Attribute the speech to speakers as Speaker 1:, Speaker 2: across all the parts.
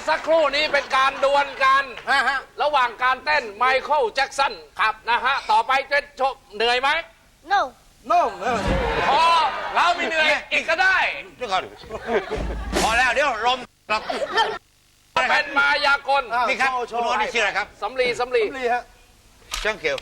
Speaker 1: สักครู่นี้เป็นการดวลกันระหว่างการเต้นไมเคิลแจ็คสันครับนะฮะต่อไปจะเหนื่อยไหม
Speaker 2: no
Speaker 1: พอเราไม่เหนื่อยอีกก็ได้
Speaker 3: เดี๋ยวก่อนพอแล้วเดี๋ยวลมครับ
Speaker 1: เป็นมายากล
Speaker 3: นี่ครับคุณโน้ตนี่ชื่ออะไรครับ
Speaker 1: สำลี
Speaker 4: ฮะ
Speaker 3: เจ้าเขียว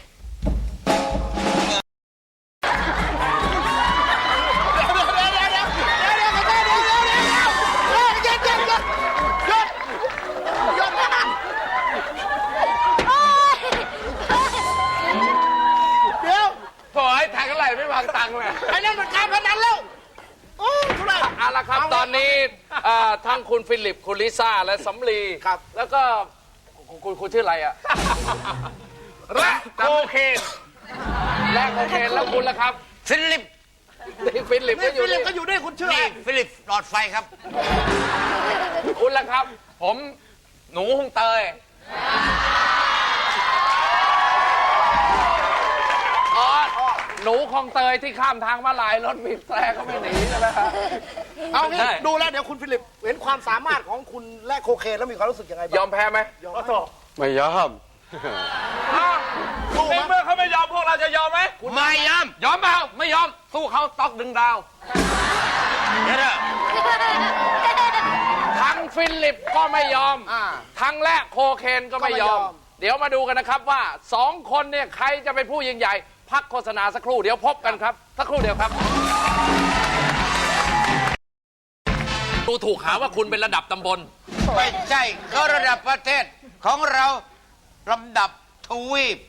Speaker 1: โถ่ไอ้แทงอะไรไม่วางตังค์เลย
Speaker 4: ไอ้นั่นมันการพนันแล้วโอ้ทุเรศ
Speaker 1: เอาละครับตอนนี้ทั้งคุณฟิลิปคุณลิซ่าและสำลีครับแล้วก็คุณชื่ออะไรอะและโคเคนแล้วคุณล่ะครับ
Speaker 3: ฟิลิป
Speaker 1: ฟิลิปก็อยู่
Speaker 4: ฟิลิ
Speaker 1: นี่
Speaker 4: ปก็อยู่ด้วยคุณชื่อ
Speaker 3: นี่ฟิลิปหลอดไฟครับ
Speaker 1: คุณล่ะครับผมหนูฮงเตยอ๋อหนูคลองเตยที่ข้ามทางมาลายรถบีบแตรก็ไม่หนีใช่ไหมครับ
Speaker 4: เอางี้ดูแล้วเดี๋ยวคุณฟิลิปเห็นความสามารถของคุณและโคเคนแล้วมีความรู้สึกยังไงบ้าง
Speaker 1: ยอมแพ้ไหม
Speaker 5: ไม่ยอม
Speaker 1: ในเมื่อเขาไม่ยอมพวกเราจะยอมไหม
Speaker 3: ไม่ยอม
Speaker 1: ยอมเปล่าไม่ยอมสู้เขาต๊อกดึงดาว
Speaker 3: เดี๋ยว
Speaker 1: ทั้งฟิลิปก็ไม่ยอมทั้งและโคเคนก็ไม่ยอม เดี๋ยวมาดูกันนะครับว่า2 คนเนี่ยใครจะเป็นผู้ยิ่งใหญ่พักโฆษณาสักครู่เดี๋ยวพบกันครับสักครู่เดียวครับดูถูกหาว่าคุณเป็นระดับตำบล
Speaker 3: ไม่ใช่เขาระดับประเทศของเราลำดับทวีป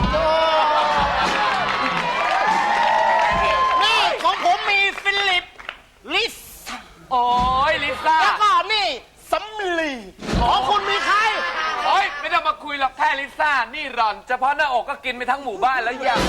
Speaker 4: นี่ของผมมีฟิลิปลิส
Speaker 1: โอ้ยลิซ่า
Speaker 4: แล้วก็นี่สำลีของคุณมีใคร
Speaker 1: โอ้ยไม่ต้องมาคุยหรอกแค่ลิซ่านี่หล่อนเฉพาะหน้าอกก็กินไปทั้งหมู่บ้านแล้วยัง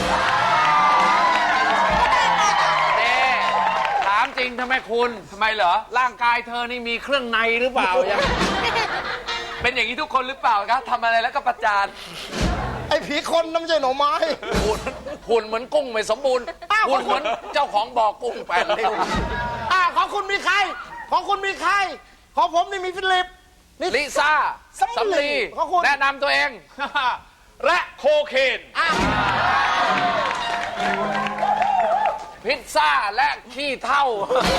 Speaker 1: ถามจริงทำไมคุณทำไมเหรอร่างกายเธอนี่มีเครื่องในหรือเปล่ายังเป็นอย่างนี้ทุกคนหรือเปล่าครับทำอะไรแล้วก็ประจาน
Speaker 4: ไอ้ผีคนน้ำไม่ใช่หน่อไม้
Speaker 1: หุ่นเหมือนกุ้งไม่สมบูรณ์หุ่นเหมือนเจ้าของบ่อกุ้งแปดริ้ว
Speaker 4: ของคุณมีใคร ของคุณมีใคร ของผมนี่มีฟิลิป
Speaker 1: ลิซ่าสำลี
Speaker 4: ของคุณ
Speaker 1: แนะนำตัวเอง และโคเคนพิซซ่าและขี้เท่า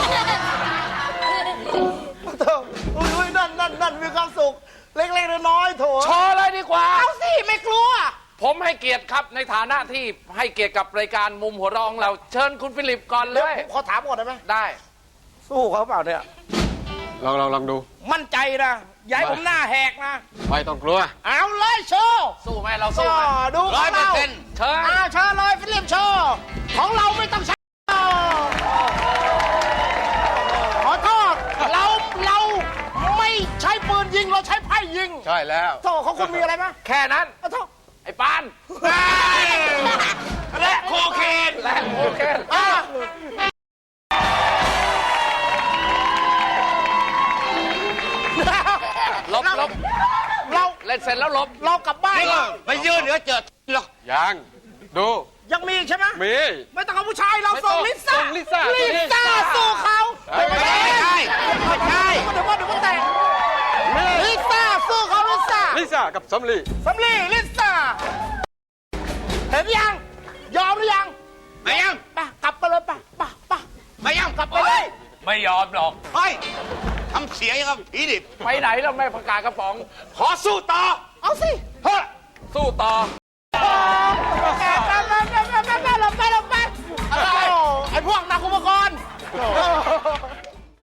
Speaker 4: อุ้ยนั่นมีความสุข เล็กๆน้อยๆโถ
Speaker 1: โชว์เลยดีกว่า
Speaker 4: เอาสิไม่กลัว
Speaker 1: ผมให้เกียรติครับในฐานะที่ให้เกียรติกับรายการมุมหัวเรองเราเชิญคุณฟิลิปก่อนเล
Speaker 4: เดี๋ยวย ผมขอถามก่อนได้ไหม
Speaker 1: ได้
Speaker 4: สู้เขาเปล่าเนี่ย
Speaker 5: ลองดู
Speaker 4: มั่นใจนะอย่าให้ผมหน้าแหกนะ
Speaker 5: ไม่ต้องกลัว
Speaker 4: เอาเลยโชว์
Speaker 1: สู้ไหมเราสู้ไหม
Speaker 4: ดูของเรา
Speaker 1: 100%เชิญ
Speaker 4: เชิญเลยฟิลิปโชว์ของเราไม่ต้องใช้ขอโทษเราไม่ใช้ปืนยิงเราใช้ไพ่ยิง
Speaker 5: ใช่แล้ว
Speaker 4: โทษของคุณมีอะไรไหม
Speaker 1: แค่นั้น
Speaker 4: โทษ
Speaker 1: ไอ้ปาน
Speaker 3: และโคเคน
Speaker 1: และโคเคน ลบ
Speaker 4: เรา
Speaker 1: เล่นเสร็จแล้วลบ
Speaker 4: เรากลับบ้าน
Speaker 3: นี่ก็ไปยืนเดี๋ยวเจอหรอก
Speaker 5: ยังดู
Speaker 4: ยังมีอีกใช่ไหม
Speaker 5: มี
Speaker 4: ไม่ต้องเอาผู้ชายเราส่งลิซ่า
Speaker 5: ส่งลิซ่า
Speaker 4: สู้เขา
Speaker 3: ไม่ใช่
Speaker 4: เดี๋ยวว่าแต่งลิซ่าสู้เขาลิซ่า
Speaker 5: ลิซ่ากับสำลี
Speaker 4: สำลีลิซ่าเห็นยังยอมหรือยัง
Speaker 3: ไม่ยัง
Speaker 4: ไปกลับไปเลยไป
Speaker 3: ไม่ยัง
Speaker 4: กลับไปเลย
Speaker 1: ไม่ยอมหรอก
Speaker 3: เฮ้ยทำเสียงยังกับผีดิบ
Speaker 1: ไปไหนแล้วไม่ประกาศกระป๋อง ขอสู้ต่อ
Speaker 4: เอาสิ
Speaker 1: เฮ้ยสู้ต่อ
Speaker 4: ไปไอ้พวกนักอุปกรณ์